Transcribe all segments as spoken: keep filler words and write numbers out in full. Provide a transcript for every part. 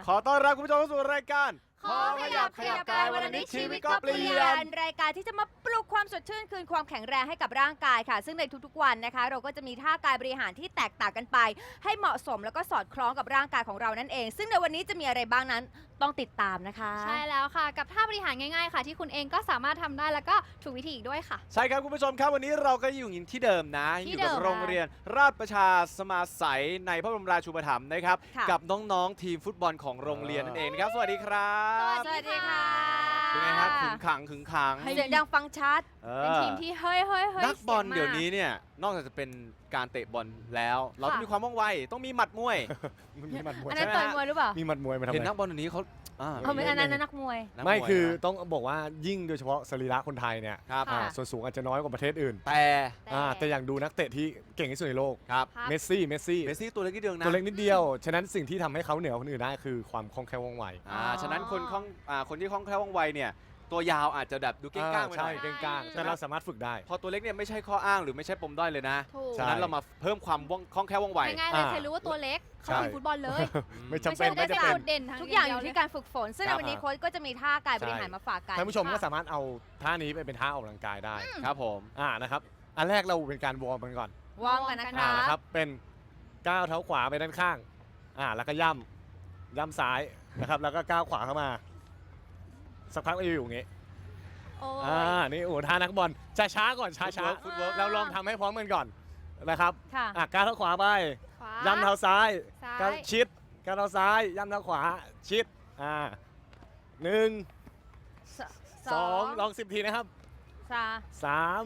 ขอต้อนรับคุณผู้ชมเข้าสู่รายการขอขยับขยับกายวันนี้ชีวิตก็เปลี่ยนรายการที่จะมาปลุกความสดชื่นคืนความแข็งแรงให้กับร่างกายค่ะซึ่งในทุกๆวันนะคะเราก็จะมีท่ากายบริหารที่แตกต่างกันไปให้เหมาะสมแล้วก็สอดคล้องกับร่างกายของเรานั่นเองซึ่งในวันนี้จะมีอะไรบ้างนั้นต้องติดตามนะคะใช่แล้วค่ะกับท่าบริหารง่ายๆค่ะที่คุณเองก็สามารถทำได้แล้วก็ถูกวิธีอีกด้วยค่ะใช่ครับคุณผู้ชมครับวันนี้เราก็อยู่ที่เดิมนะอยู่กับโรงเรียนราชประชาสมาสัยในพระบรมราชูปถัมภ์นะครับกับน้องๆทีมฟุตบอลของโรงเรียนนั่นเองนะครับสวัสดีครับสวัสดีค่ะเป็นไงครับขึงขังขึงขังเสียงดังฟังชัดเป็นทีมที่เฮ้ยเฮ้ยเฮ้ยนักบอลเดี๋ยวนี้เนี่ยนอกจากจะเป็นการเตะบอลแล้วเราต้องมีความว่องไวต้องมีหมัดมวยมีหมัดมวยอันนั้นต่อยมวยหรือเปล่ามีหมัดมวยมาทำไมเห็นนักบอลเดี๋ยวนี้เขาเขาเป็นอันนั้นนักมวยไม่คือต้องบอกว่ายิ่งโดยเฉพาะสรีระคนไทยเนี่ยส่วนสูงอาจจะน้อยกว่าประเทศอื่นแต่แต่อย่างดูนักเตะที่เก่งที่สุดในโลกครับเมสซี่เมสซี่เมสซี่ตัวเล็กนิดเดียวนะตัวเล็กนิดเดียวฉะนั้นสิ่งที่ทำให้เขาเหนือคนอื่นได้คือความคล่องแคล่วว่องไวอ่าฉะนั้นคนคล่องอ่าคนที่คล่องแคล่วว่องไวเนี่ยตัวยาวอาจจะแบบดูเก้งก้างไปหน่อยใช่เก้งก้างแต่เราสามารถฝึกได้พอตัวเล็กเนี่ยไม่ใช่ข้ออ้างหรือไม่ใช่ปมด้อยเลยนะฉะนั้นเรามาเพิ่มความคล่องแคล่วว่องไวง่ายๆเลยใครรู้ว่าตัวเล็กเขาเป็นฟุตบอลเลยไม่จำเป็นไม่จำเป็นทุกอย่างอยู่ที่การฝึกฝนซึ่งในวันนี้โค้ชก็จะมีท่ากายบริหารมาฝากกันท่านผู้ชมก็สามารถเอาท่านี้ไปเป็นท่าออกกำลังกายได้ครับผมอ่านะครับอันแรกเราเป็นการวอร์มกันก่อนวอร์มกันนะครับเป็นก้าวเท้าขวาไปด้านข้างอ่าแล้วก็ย่ำย่ำซ้ายนะครับแล้วก็ก้าวขวาเข้ามาสักพักก็อยู่อย่างงี้อ่านี่โอ้ท่านักบอลช้าช้าก่อนช้าช้าฟุตเวิร์กเราลองทำให้พร้อมกันก่อนนะครับอ่ะก้าวเท้าขวาไปย่ำเท้าซ้ายก้าวชิดก้าวเท้าซ้ายย่ำเท้าขวาชิดอ่าหนึ่งสองลองสิบทีนะครับสาม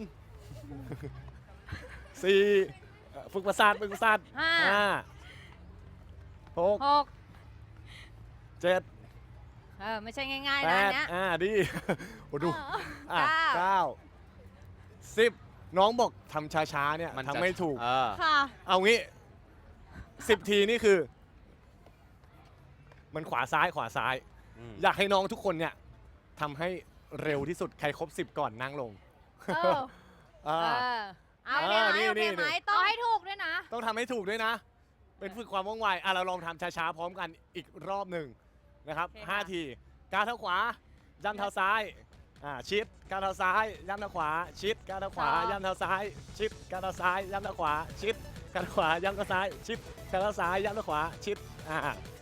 สี่ฝึกประสาทฝึกประสาทห้าหกเจ็ดเออไม่ใช่ง่ายๆนะเนี้ยอ่าดีโอ้ดูอ่ะเก้าสิบน้องบอกทำช้าๆเนี่ยทำไม่ถูกค่ะเอางี้สิบทีนี่คือมันขวาซ้ายขวาซ้ายอยากให้น้องทุกคนเนี่ยทำให้เร็วที่สุดใครครบสิบก่อนนั่งลงเออเอาเนี่ยนี่ไหมต้องให้ถูกด้วยนะต้องทำให้ถูกด้วยนะเป็นฝึกความว่องไวอ่ะเราลองทำช้าๆพร้อมกันอีกรอบหนึ่งนะครับห้าทีก้าวเท้าขวาย่ำเท้าซ้ายอ่าชิดก้าวเท้าซ้ายย่ำเท้าขวาชิดก้าวเท้าขวาย่ำเท้าซ้ายชิดก้าวเท้าซ้ายย่ำเท้าขวาชิดก้าวเท้าขวาย่ำเท้าซ้ายชิดก้าวเท้าซ้ายย่ำเท้าขวาชิดอ่า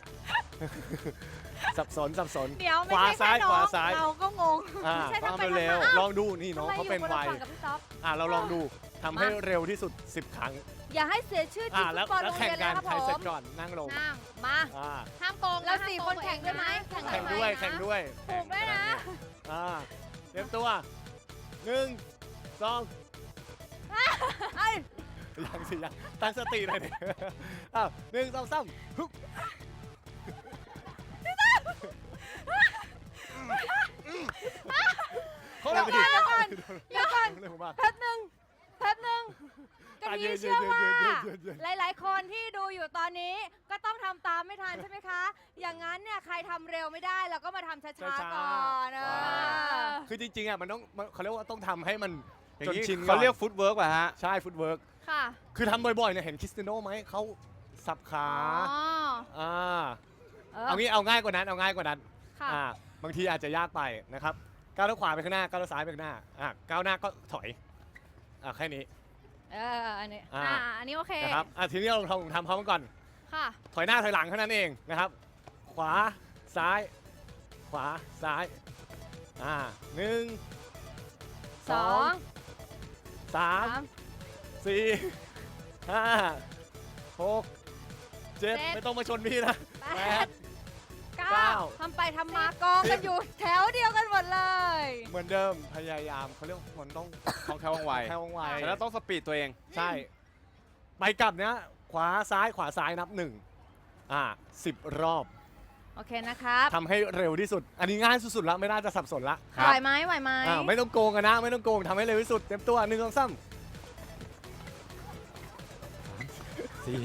สับสนสับสนขวาซ้ายขวาซ้ายเราก็งงอ่าต้องเร็วลองดูนี่น้องเขาเป็นไวอ่าเราลองดูทำให้เร็วที่สุดสิบครั้งอย่าให้เสียชื่อทีมฟุตบอลโรงเรียนแล้วครับผมใครเสร็จก่อนนั่งลงนั่งมาห้ามโกงเราสี่คนแข่งด้วยไหมแข่งด้วยแข่งด้วยถูกด้วยนะอ่าเตรียมตัวหนึ่งสองยังสิยังตั้งสติหน่อยดิอ้าวหนึ่งสองสามฮึบเดี๋ยวก่อนเดี๋ยวก่อนเดี๋ยวก่อนแป๊บนึงแป๊บนึงกะทิเชื่อว่าหลายๆคนที่ดูอยู่ตอนนี้ก็ต้องทำตามไม่ทันใช่ไหมคะอย่างนั้นเนี่ยใครทำเร็วไม่ได้เราก็มาทำช้าๆก่อนคือจริงๆอ่ะมันต้องเขาเรียกว่าต้องทำให้มันจนชินเขาเรียกฟุตเวิร์กป่ะฮะใช่ฟุตเวิร์กค่ะคือทำบ่อยๆเนี่ยเห็นคริสเตียโน่ไหมเขาสับขาอ่าเอางี้เอาง่ายกว่านั้นเอาง่ายกว่านั้นอ่าบางทีอาจจะยากไปนะครับก้าวเท้าขวาไปข้างหน้าก้าวเท้าซ้ายไปข้างหน้าอ่ะก้าวหน้าก็ถอยอ่ะแค่นี้เอออันนี้อ่าอันนี้โอเคนะครับอ่ะทีนี้เราทำทำพร้อมกันก่อนค่ะถอยหน้าถอยหลังเท่านั้นเองนะครับขวาซ้ายขวาซ้ายอ่าหนึ่งสองสามสี่ห้าหกเจ็ดไม่ต้องมาชนพี่นะแปดเก้าทำไปทำมากองกันอยู่แถวเดียวกันหมดเลยเหมือนเดิมพยายามเขาเรียกมันต้องคล่องแคล่วว่องไวแคล่วว่องไวแล้วต้องสปีดตัวเองใช่ไปกลับเนี้ยขวาซ้ายขวาซ้ายนับหนึ่งอ่าสิบรอบโอเคนะครับทำให้เร็วที่สุดอันนี้ง่ายสุดๆแล้วไม่น่าจะสับสนละไหวไหมไหวไหมอ่าไม่ต้องโกงกันนะไม่ต้องโกงทำให้เร็วที่สุดเต็มตัวหนึ่งสองสามสี่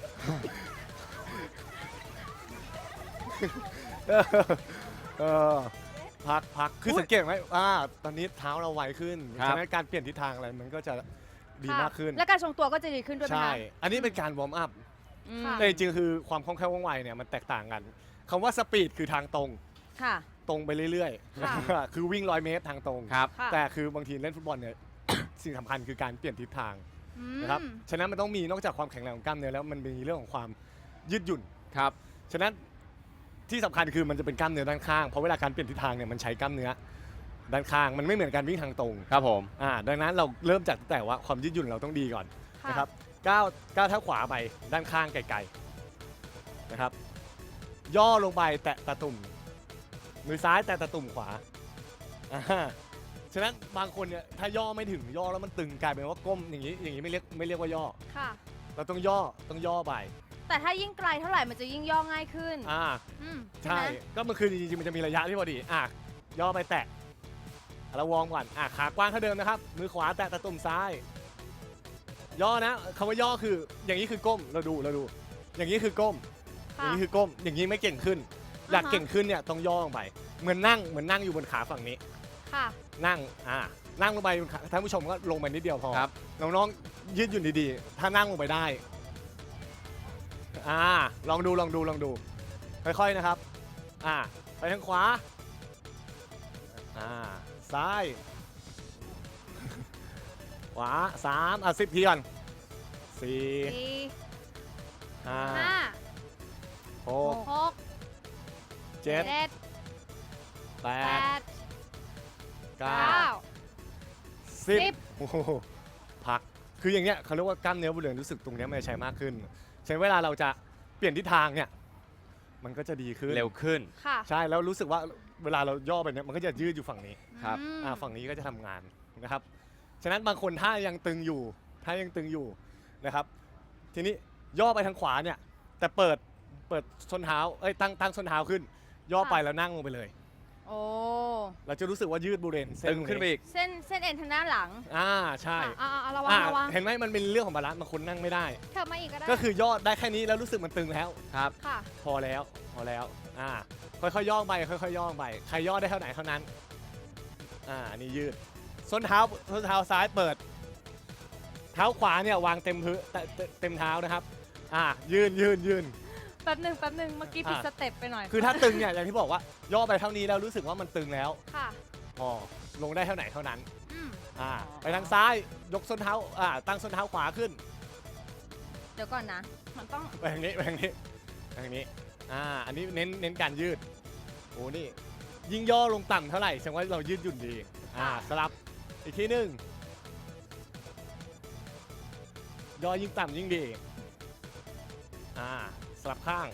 เออพักพักคือสังเกตไหมอ่าตอนนี้เท้าเราไวขึ้นฉะนั้นการเปลี่ยนทิศทางอะไรมันก็จะดีมากขึ้นและการทรงตัวก็จะดีขึ้นด้วยใช่อันนี้เป็นการวอร์มอัพแต่จริงๆคือความคล่องแคล่วว่องไวเนี่ยมันแตกต่างกันคำว่าสปีดคือทางตรงค่ะตรงไปเรื่อยค่ะๆ คือวิ่งร้อยเมตรทางตรงครับค่ะแต่คือบางทีเล่นฟุตบอลเนี่ย สิ่งสำคัญคือการเปลี่ยนทิศทางอืมนะครับ ฉะนั้นมันต้องมีนอกจากความแข็งแรงของกล้ามเนื้อแล้วมันมีเรื่องของความยืดหยุ่นครับฉะนั้นที่สำคัญคือมันจะเป็นกล้ามเนื้อด้านข้าง เพราะเวลาการเปลี่ยนทิศทางเนี่ยมันใช้กล้ามเนื้อด้านข้าง มันไม่เหมือนการวิ่งทางตรงครับผมอ่า ดังนั้นเราเริ่มจากตั้งแต่ว่าความยืดหยุ่นเราต้องดีก่อนค่ะนะครับก้าวก้าวเท้าขวาไปด้านข้างไกลๆนะครับ ย่อลงไปแตะตะตุ่ม มือซ้ายแตะตะตุ่มขวาอ่าฉะนั้นบางคนเนี่ยถ้าย่อไม่ถึงย่อแล้วมันตึงกลายเป็นว่าก้มอย่างนี้อย่างนี้ไม่เรียกไม่เรียกว่าย่อค่ะเราต้องย่อต้องย่อไปแต่ถ้ายิ่งไกลเท่าไหร่มันจะยิ่งย่อง่ายขึ้นอ่าอืมใช่ใช่ไหมก็มันคือจริงๆมันจะมีระยะที่พอดีอ่ะย่อไปแตะเราวอร์มก่อนอ่ะขากว้างเท่าเดิมนะครับ มือขวาแตะตะตุ่มซ้าย ย่อนะคำว่าย่อคืออย่างนี้คือก้มเราดูเราดู อย่างนี้คือก้ม อค่ะย่างนี้คือก้มอย่างนี้ไม่เก่งขึ้น อยากอ่าฮะเก่งขึ้นเนี่ยต้องย่อลงไป เหมือนนั่งเหมือนนั่งอยู่บนขาฝั่งนี้ค่ะนั่งอ่านั่งลงไปบนขาท่านผู้ชมก็ลงไปนิดเดียวพอครับน้องๆยืดหยุ่นดีๆ ถ้านั่งลงไปได้อ่าลองดูลองดูลองดู ค่อยๆนะครับอ่าไปทางขวาอ่าซ้าย ขวาสามอ่ะสิบทีก่อนสี่สี่ห้าห้าหกหกเจ็ดเจ็ดแปแปดดเก้าเก้าสิสิบบ โอ้โหพักคืออย่างเงี้ยเขาเรียกว่ากล้ามเนื้อบริเวณรู้สึกตรงเนี้ยมันจะใช้มากขึ้นฉะนั้นเวลาเราจะเปลี่ยนทิศทางเนี่ยมันก็จะดีขึ้นเร็วขึ้นค่ะใช่แล้วรู้สึกว่าเวลาเราย่อไปเนี่ยมันก็จะยืดอยู่ฝั่งนี้ครับอืมอ่าฝั่งนี้ก็จะทำงานนะครับฉะนั้นบางคนถ้ายังตึงอยู่ถ้ายังตึงอยู่นะครับทีนี้ย่อไปทางขวาเนี่ยแต่เปิดเปิดส้นเท้าเอ้ยตั้งตั้งส้นเท้าขึ้น ย่อไปแล้วนั่งลงไปเลยโอ้เราจะรู้สึกว่ายืดบริเวณเส้นตึงขึ้นไปอีกเส้นเส้นเอ็นทางด้านหลังอ่าใช่อ่าอ่าระวังอ่าระวังเห็นไหมมันเป็นเรื่องของบาลานซ์บางคนนั่งไม่ได้เธอมาอีกก็ได้ก็คือย่อได้แค่นี้แล้วรู้สึกมันตึงแล้วครับค่ะพอแล้วพอแล้วอ่าค่อยๆย่อไปค่อยๆย่อไปใครย่อได้เท่าไหนเท่านั้นอ่าอันนี้ยืดส้นเท้าส้นเท้าซ้ายเปิด เท้าขวาเนี่ยวางเต็มพื้นเตเตเต็มเท้านะครับอ่ายืนยืนยืนแป๊บหนึ่งแป๊บหนึ่งเมื่อกี้ผิดอ่ะสเต็ปไปหน่อยคือถ้าตึงเนี่ยอย่างที่บอกว่าย่อไปเท่านี้แล้วรู้สึกว่ามันตึงแล้วค่ะพอลงได้เท่าไหนเท่านั้นอืมอ่าไปทางซ้ายยกส้นเท้าอ่าตั้งส้นเท้าขวาขึ้นเดี๋ยวก่อนนะ มันต้องไปทางนี้ไปทางนี้ไปทางนี้อ่าอันนี้เน้นเน้นการยืดโอ้นี่ยิ่งย่อลงต่ำเท่าไหร่แสดงว่าเรายืดหยุ่นดีอ่าสลับอีกทีหนึ่งย่อยิ่งต่ำยิ่งดีอ่าสลับข้าง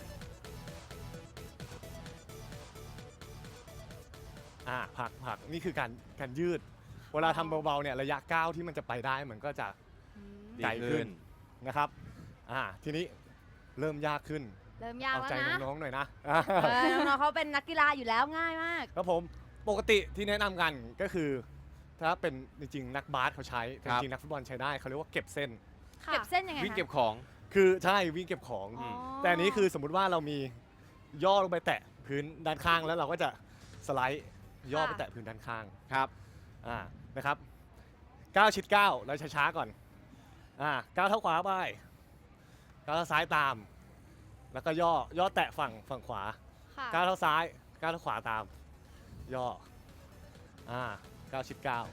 อ่าผักผักนี่คือการการยืด เวลาทำเบาๆเนี่ยระยะก้าวที่มันจะไปได้มันก็จะอืมดีไกลขึ้ขึ้นนนะครับอ่าทีนี้เริ่มยากขึ้นเริ่มยากเอาแล้วใจนะน้องๆหน่อยนะเออน้องๆเขาเป็นนักกีฬาอยู่แล้วง่ายมากครับผมปกติที่แนะนำกันก็คือ ถ้าเป็นจริงๆนักบาสเขาใช้แต่ครับจริงๆนักฟุตบอลใช้ได้เขาเรียกว่าเก็บเส้นค่ะเก็บเส้นยังไงวิ่งคะเก็บของคือใช่วิ่งเก็บของอ๋อแต่อันนี้คือสมมุติว่าเรามีย่อลงไปแตะพื้นด้านข้างแล้วเราก็จะสไลด์ย่อไปแตะพื้นด้านข้างครับอ่านะครับก้าวชิดก้าวแล้วช้าๆก่อนอ่าก้าวเท้าขวาไปก้าวเท้าซ้ายตาม แล้วก็ย่อย่อแตะฝั่งฝั่งขวาค่ะก้าวเท้าซ้ายก้าวเท้าขวาตาม ย่ออ่าก้าวชิดก้าว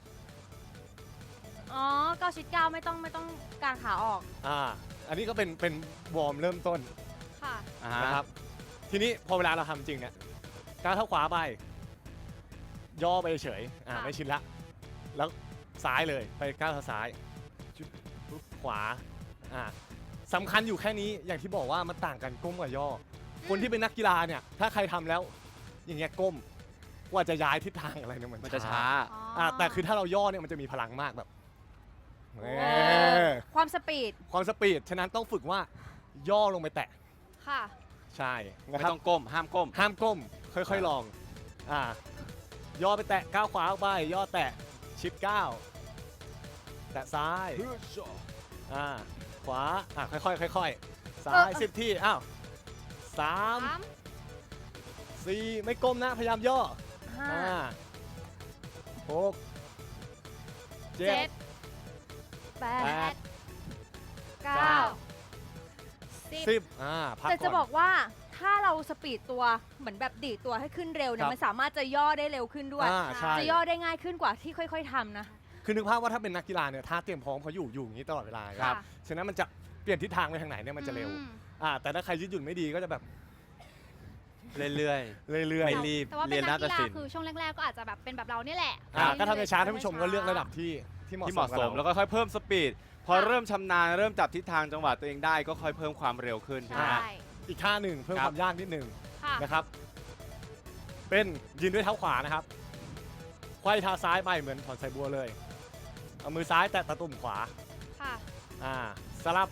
อ๋อเก้าชิดเก้าไม่ต้องไม่ต้องกางขาออกอ่าอันนี้ก็เป็นเป็นวอร์มเริ่มต้นค่ะอ่าฮะนะครับทีนี้พอเวลาเราทำจริงเนี่ยก้าวเท้าขวาไป ย่อไปเฉยอ่าค่ะไม่ชินละแล้วซ้ายเลยไปก้าวเท้าซ้ายจุดปุ๊บขวาอ่าสำคัญอยู่แค่นี้อย่างที่บอกว่ามันต่างกันก้มกับย่อ คนที่เป็นนักกีฬาเนี่ยถ้าใครทำแล้วอย่างเงี้ยก้มกว่าจะย้ายทิศทางอะไรเนี่ยมันมันจะช้าอ๋ออ่าแต่คือถ้าเราย่อเนี่ยมันจะมีพลังมากแบบเออความสปีดความสปีดฉะนั้นต้องฝึกว่าย่อลงไปแตะค่ะใช่นะไม่ครับต้องก้ม ห้ามก้มห้ามก้มค่อยๆลองอ่าย่อไปแตะก้าวขวาออกไปย่อแตะชิปก้าวแตะซ้ายอ่าขวาอ่าค่อยๆค่อยๆซ้ายสิบที่อ้าวสามสามสี่ไม่ก้มนะพยายามย่อห้าห้าหกเจ็เจ็ดดแปแปดดเก้าเก้าสิบสิบอ่าพักแต่จะก่อนบอกว่าทถ้าเราสปีดตัวเหมือนแบบดีดตัวให้ขึ้นเร็วเนี่ครัยบมันสามารถจะย่อได้เร็วขึ้นด้วยอ่าใช่จะย่อได้ง่ายขึ้นกว่าที่ค่อย ๆทำนะคือนึกภาพว่าถ้าเป็นนักกีฬาเนี่ยท่าเตรียมพร้อมเขาอยู่อยู่อย่างนี้ตลอดเวลาค่ะฉะนั้นมันจะเปลี่ยนทิศทางไปทางไหนเนี่ยมันจะเร็วอืมอ่าแต่ถ้าใครยืดหยุ่นไม่ดีก็จะแบบเรื่อยเรื่อยไม่รีบแต่ว่าเรีเป็ยนนนักนาฏกีฬาศิลป์คือช่วงแรกๆก็อาจจะแบบเป็นแบบเราเนี่ยแหละๆอ่าก็ทำในช้าท่านผู้ชมก็เลือกระดับที่ที่ที่เหเหมาะมาะสสมมกับแล้วเราก็ค่อยเพิ่มสปีดพอเริ่มชำนาญเริ่มจับทิศทางจังหวะตัวเองได้ก็ค่อยเพิ่มความเร็วขึ้นใช่ไหมใช่ฮะอีกท่าหนึ่งเพิ่มครับความยากนิดหนึ่งค่ะนะครับ เป็นยืนด้วยเท้าขวานะครับไขว้เท้าซ้ายไปเหมือนถอนสายบัวเลย เอามือซ้ายแตะตะตุ่มขวาค่ะอ่าสลับ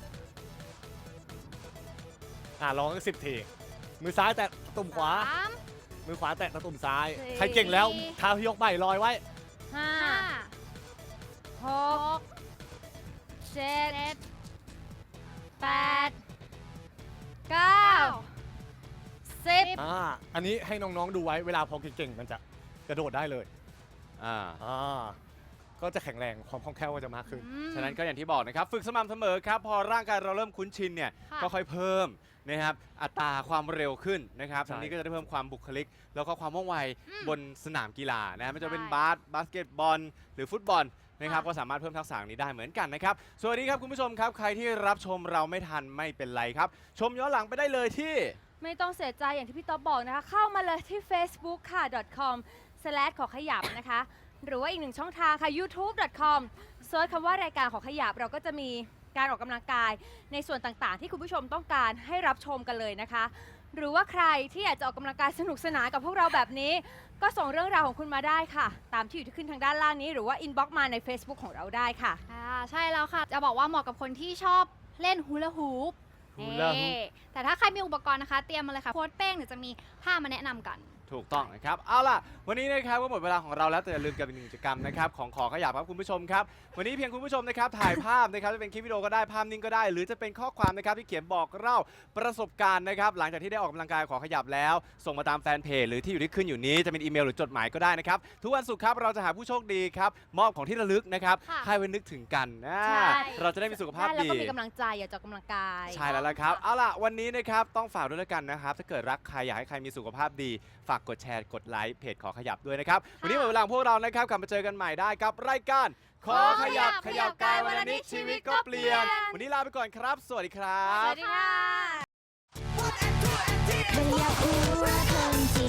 อ่าลองสักสิบที มือซ้ายแตะตะตุ่มขวาสามมือขวาแตะตะตุ่มซ้ายสี่ใครเก่งแล้วเท้าที่ยกไปลอยไว้ห้าห้าหกเจ็เจ็ดดแปดเก้าเก้าสิบอ่า อันนี้ให้น้องๆดูไว้เวลาพอเก่งๆมันจะกระโดดได้เลยอ่าอ่า ก็จะแข็งแรงความคล่องแคล่วก็จะมากขึ้นอืมฉะนั้นก็อย่างที่บอกนะครับ ฝึกสม่ำเสมอครับ พอร่างกายเราเริ่มคุ้นชินเนี่ยค่ะก็ค่อยเพิ่มนะครับอัตราความเร็วขึ้นนะครับใช่ทั้งนี้ก็จะได้เพิ่มความบุคลิก แล้วก็ความว่องไวอืมบนสนามกีฬานะไม่ว่าจะเป็นใช่บาสบาสเกตบอล หรือฟุตบอลนะครับค่ะก็สามารถเพิ่มทักษะนี้ได้เหมือนกันนะครับสวัสดีครับคุณผู้ชมครับใครที่รับชมเราไม่ทันไม่เป็นไรครับ ชมย้อนหลังไปได้เลยที่ไม่ต้องเสียใจอย่างที่พี่ต๊อบบอกนะคะ เข้ามาเลยที่ facebook ค่ะ .com slash ขอขยับนะคะ หรือว่าอีกหนึ่งช่องทางค่ะ youtube .com เซิร์ชคำว่ารายการขอขยับเราก็จะมีการออกกำลังกายในส่วนต่างๆ ที่คุณผู้ชมต้องการให้รับชมกันเลยนะคะ หรือว่าใครที่อยากจะออกกำลังกายสนุกสนานกับพวกเราแบบนี้ ก็ส่งเรื่องราวของคุณมาได้ค่ะ ตามที่อยู่ที่ขึ้นทางด้านล่างนี้ หรือว่า inbox มาใน Facebook ของเราได้ค่ะอ่าใช่แล้วค่ะ จะบอกว่าเหมาะกับคนที่ชอบเล่นฮูลาฮูปฮูลาฮูปนี่แต่ถ้าใครมีอุปกรณ์นะคะ เตรียมมาเลยค่ะโค้ดเป้งเดี๋ยวจะมีผ้ามาแนะนำกันถูกต้องนะครับ เอาล่ะ วันนี้นะครับก็หมดเวลาของเราแล้วแต่อย่าลืมกับอีกหนึ่งกิจกรรมนะครับของขอขยับครับคุณผู้ชมครับ วันนี้เพียงคุณผู้ชมนะครับถ่ายภาพนะครับจะเป็นคลิปวิดีโอก็ได้ภาพนิ่งก็ได้ หรือจะเป็นข้อความนะครับที่เขียนบอกเล่าประสบการณ์นะครับหลังจากที่ได้ออกกำลังกายขอขยับแล้ว ส่งมาตามแฟนเพจหรือที่อยู่ที่ขึ้นอยู่นี้จะเป็นอีเมลหรือจดหมายก็ได้นะครับทุกวันศุกร์ครับเราจะหาผู้โชคดีครับมอบของที่ระลึกนะครับค่ะให้ไว้นึกถึงกันนะใช่เราจะได้มีสุขภาพได้แล้วดีก็มีกำลังใจอยากจะออกกำลังกายใช่แล้วละครับ เอาล่ะ วันนี้นะครับต้องฝากด้วยแล้วกันนะครับ ถ้าเกิดรักใครอยากให้ใครมีสุขภาพดี ฝากกดแชร์ กดไลค์เพจขอขยับด้วยนะครับ วันนี้หมดเวลาของพวกเรานะครับ กลับมาเจอกันใหม่ได้กับรายการ ขอขยับ ขยับกายวันละนิดชีวิตก็เปลี่ยน วันนี้ลาไปก่อนครับ สวัสดีครัสบวัสดีค่ะไม่อยากรู้ว่าคนจะ